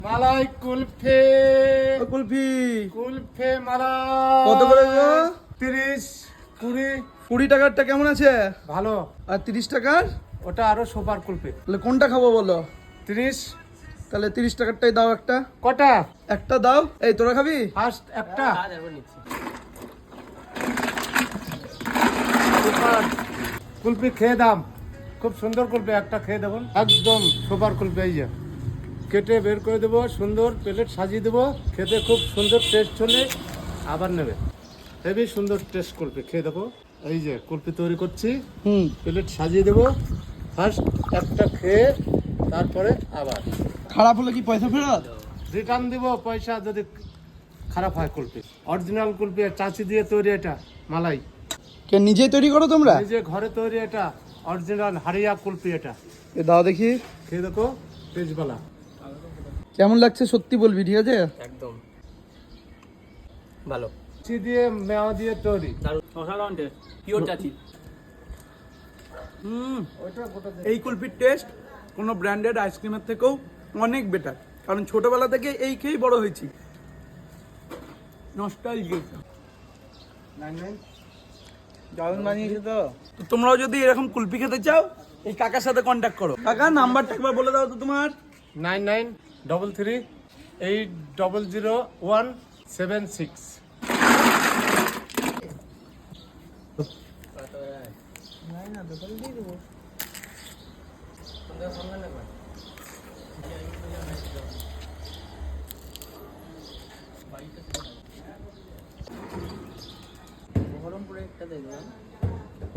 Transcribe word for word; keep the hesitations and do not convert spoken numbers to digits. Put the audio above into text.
মালাই কুলফি কুলফি কুলফি মালাই কত করে গো? তিরিশ কুড়ি কুড়ি টাকারটা কেমন আছে? ভালো। আর তিরিশ টাকার ওটা আরো সুপার কুলফি। তাহলে কোনটা খাবো বলো? তিরিশ। তাহলে তিরিশ টাকারটাই দাও একটা। কটা? একটা দাও। এই তোরা খাবি? ফার্স্ট একটা সুপার কুলফি খেয়ে দাম, খুব সুন্দর কুলফি, একটা খেয়ে দেবো একদম সুপার কুলফি। এই যে কেটে বের করে দেবো, সুন্দর প্লেট সাজিয়ে দেবো, খেতে খুব সুন্দর টেস্ট হলে আবার নেবে। হেবি সুন্দর টেস্ট কুলফি, খেয়ে দেবো। এই যে কুলফি তৈরি করছি, হুম প্লেট সাজিয়ে দেবো, ফার্স্ট একটা খেয়ে তারপরে আবার খারাপ হলে কি পয়সা ফেরত? রিটার্ন দিব পয়সা যদি খারাপ হয়। কুলফি অরিজিনাল কুলফি, চাচি দিয়ে তৈরি, এটা মালাই কে নিজেই তৈরি করো তোমরা? নিজে ঘরে তৈরি, এটা অরিজিনাল হারিয়া কুলফি। এটা এ দাও দেখি। খেয়ে দেখো তেজবালা কেমন লাগছে সত্যি বলবি, ঠিক আছে? একদম ভালো। চাচি দিয়ে মেওয়া দিয়ে তৈরি। অসাধারণ টেস্ট, পিওর চাচি। হুম ওইটা গোটা দে। এই কুলফির টেস্ট কোনো ব্র্যান্ডেড আইসক্রিমের থেকেও অনেক বেটার, কারণ ছোটবেলা থেকে এই খেয়েই বড় হয়েছি। নস্টালজিক নাইন নাইন দারুণ বানিয়েছে তো। তো তোমরাও যদি এরকম কুলফি খেতে চাও এই কাকার সাথে কন্ট্যাক্ট করো। কাকা নাম্বারটা একবার বলে দাও তো তোমার। Nine nine double three eight double zero one seven six. বহরমপুরে একটা দেখলাম